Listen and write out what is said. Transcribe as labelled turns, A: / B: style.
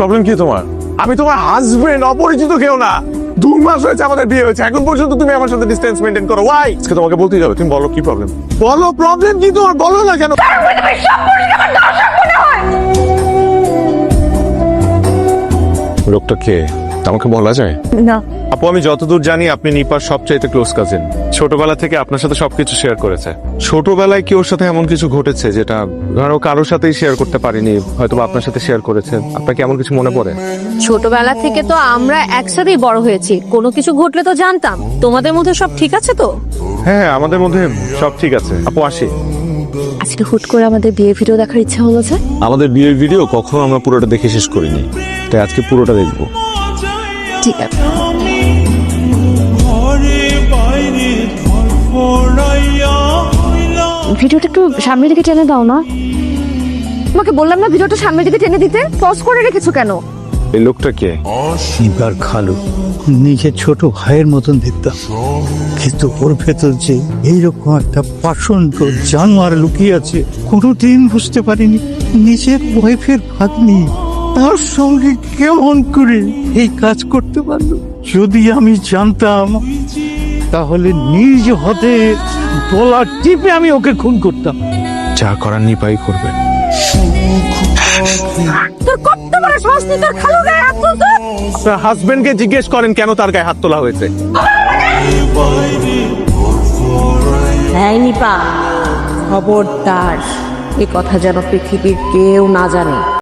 A: Problem কি তোমার? আমি তোমার হাজবেন্ড, অপরিচিত কেউ না। 2 মাস হয়েছে আমাদের বিয়ে হয়েছে, এখন পর্যন্ত তুমি আমার সাথে ডিসটেন্স মেইনটেইন করো। ওয়াই? আজকে তোমাকে বলতেই হবে, তুমি বলো কি প্রবলেম। বলো প্রবলেম কি তোমার, বলো না কেন? লোকটা কে আমাকে বলা যায়?
B: না।
A: আপু, আমি যতদূর জানি আপনি নিপার সবচাইতে ক্লোজ কাজিন। ছোটবেলা থেকে আপনার সাথে সবকিছু শেয়ার করেছে। ছোটবেলায় কি ওর সাথে এমন কিছু ঘটেছে যেটা ধরো কারোর সাথেই শেয়ার করতে পারিনি, হয়তো আপনার সাথে শেয়ার করেছে? আপনার কি এমন কিছু মনে পড়ে?
B: ছোটবেলা থেকে তো আমরা একসাথেই বড় হয়েছি, কোনো কিছু ঘটলে তো জানতাম। তোমাদের মধ্যে সব ঠিক আছে তো?
A: হ্যাঁ, আমাদের মধ্যে সব ঠিক আছে। আপু আসি।
B: আজকে হুট করে আমাদের বিয়ে ভিডিও দেখার ইচ্ছা হলো যে?
A: আমাদের বিয়ের ভিডিও কখনো আমরা পুরোটা দেখে শেষ করিনি, তাই আজকে পুরোটা দেখবো।
B: ঠিক আছে। ভিডিওটা একটু সামনের দিকে টেনে দাও না। তোমাকে বললাম না ভিডিওটা সামনের দিকে টেনে দিতে, পজ করে রেখেছো কেন?
A: এই লোকটা কে?
C: নিপার খালু, নিজের ছোট ভাইয়ের মতন দেখতাম, কিন্তু ওর ভেতর যে এইরকম একটা পাষণ্ড জানোয়ার লুকিয়ে আছে কোনোদিন বুঝতে পারিনি। নিজের ওয়াইফের ভাগ্নি, তার সঙ্গে কেমন করে এই কাজ করতে পারলো? যদি আমি জানতাম তাহলে নিজ হাতে গলা টিপে আমি ওকে খুন করতাম।
A: যা করার নিপাই করবেন।
B: তোর কত বড় সাহস, তুই তোর খালুর গায়ে হাত তুলছিস?
A: আপনার হাজবেন্ডকে জিজ্ঞেস করেন কেন তার গায়ে হাত তোলা হয়েছে।
D: হ্যাঁ নিপা, খবরদার, এ কথা যেন পৃথিবীর কেউ না জানে।